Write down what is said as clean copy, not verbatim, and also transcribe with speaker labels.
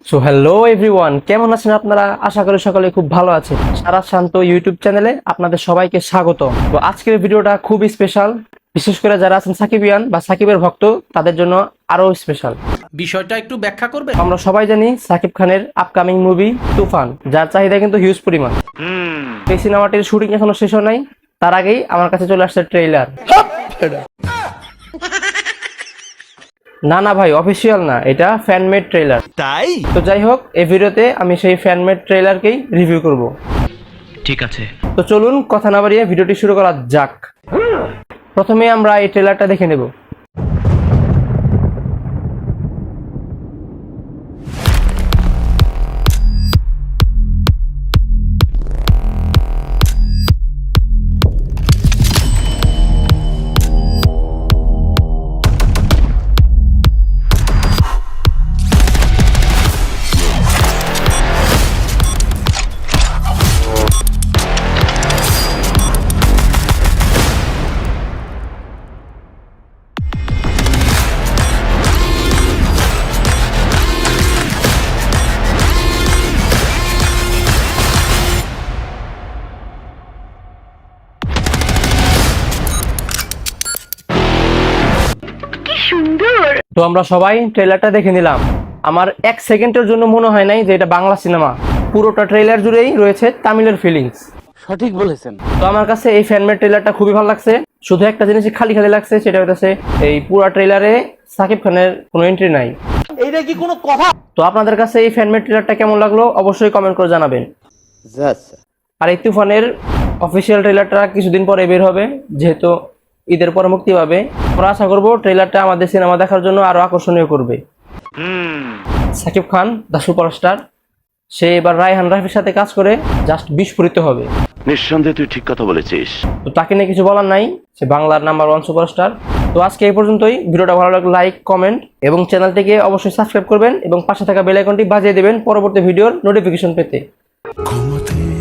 Speaker 1: So hello everyone, কেমন আছেন আপনারা? আশা করি সকলে খুব ভালো আছেন। সারা শান্ত ইউটিউব চ্যানেলে আপনাদের সবাইকে স্বাগত। তো আজকের ভিডিওটা খুবই স্পেশাল, বিশেষ করে যারা আছেন সাকিবিয়ান বা সাকিবের ভক্ত তাদের জন্য আরো স্পেশাল।
Speaker 2: বিষয়টা একটু ব্যাখ্যা করবে।
Speaker 1: আমরা সবাই জানি সাকিব খানের আপকামিং মুভি তুফান, যার চাহিদা কিন্তু হিউজ পরিমাণ। এই সিনেমাটির শুটিং এখনো শেষ হয় নাই, তার আগেই আমার কাছে চলে আসছে ট্রেইলার। না ভাই, অফিসিয়াল না, এটা ফ্যানমেড ট্রেইলার।
Speaker 2: তাই
Speaker 1: তো যাই হোক, এই ভিডিওতে আমি সেই ফ্যানমেড ট্রেইলারকেই রিভিউ করব।
Speaker 2: ঠিক আছে।
Speaker 1: তো চলুন কথা না বাড়িয়ে ভিডিওটি শুরু করা যাক। প্রথমে আমরা এই ট্রেলারটা দেখে নেব। তো আমরা সবাই ট্রেলারটা দেখে নিলাম। আমার এক সেকেন্ডের জন্য মনে হয় নাই যে এটা বাংলা সিনেমা। পুরোটা ট্রেলার জুড়েই রয়েছে তামিলের ফিলিংস।
Speaker 3: সঠিক বলেছেন।
Speaker 1: তো আমার কাছে এই ফ্যানমেড ট্রেলারটা খুবই ভালো লাগছে। শুধু একটা জিনিস খালি খালি লাগছে, সেটা হচ্ছে এই পুরো ট্রেলারে সাকিব খানের কোনো এন্ট্রি নাই।
Speaker 3: এইটা কি কোনো কথা?
Speaker 1: তো আপনাদের কাছে এই ফ্যানমেড ট্রেলারটা কেমন লাগলো অবশ্যই কমেন্ট করে জানাবেন। আর এই তুফানের অফিসিয়াল ট্রেলারটা কিছুদিন পরে বের হবে, যেহেতু ঈদের পরে মুক্তি পাবে। আমরা আশা করবো ট্রেলারটা আমাদের সিনেমা দেখার জন্য আরো আকর্ষণীয় করবে। সাকিব খান দ্য সুপারস্টার, সে এবার রায়হান রাফির সাথে কাজ করে জাস্ট বিস্ফোরিত হবে।
Speaker 4: নিঃসন্দেহে তুই ঠিক কথা বলেছিস।
Speaker 1: তো তাকে নিয়ে কিছু বলার নাই, সে বাংলার নাম্বার 1 সুপারস্টার। তো আজকে এই পর্যন্তই। ভিডিওটা ভালো লাগলে লাইক, কমেন্ট এবং চ্যানেলটিকে অবশ্যই সাবস্ক্রাইব করবেন এবং পাশে থাকা বেল আইকনটি বাজিয়ে দেবেন পরবর্তী ভিডিওর নোটিফিকেশন পেতে।